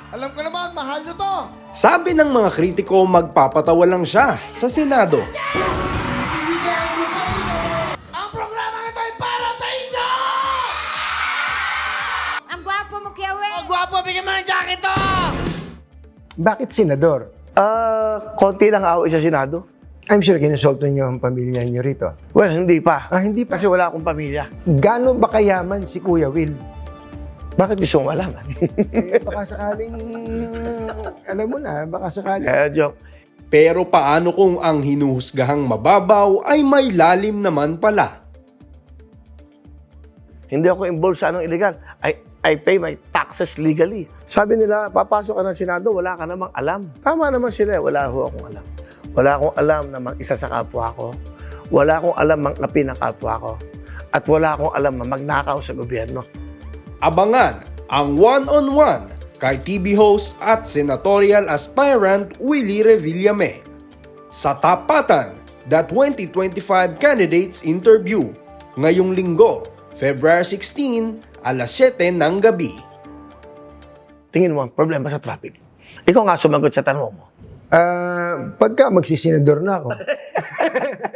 Alam ko naman, mahal nyo to. Sabi ng mga kritiko, magpapatawa lang siya sa Senado. Ang programa ito ay para sa inyo! Ang gwapo mo, Kiawe! Ang gwapo, bigyan mo ng jacket to! Bakit senador? Konti lang away sa Senado. I'm sure kinasolto niyo ang pamilya niyo rito. Well, hindi pa. Hindi pa. Kasi wala akong pamilya. Gaano ba kayaman si Kuya Will? Bakit gusto mong malaman? Baka sakaling, alam mo na, baka sakaling. Joke. Pero paano kung ang hinuhusgahang mababaw ay may lalim naman pala? Hindi ako involved sa anong illegal. I pay my taxes legally. Sabi nila, papasok ka ng Senado, wala ka namang alam. Tama naman sila, wala ho akong alam. Wala akong alam na mag-isa sa kapwa ko. Wala akong alam mang-api ng kapwa ko. At wala akong alam na magnakaw sa gobyerno. Abangan ang one-on-one kay TV host at senatorial aspirant Willie Revillame sa Tapatan, the 2025 Candidates Interview ngayong linggo, February 16, alas 7 ng gabi. Tingin mo, problema sa traffic. Ikaw nga sumagot sa tanong mo. Pagka magsisenador na ako,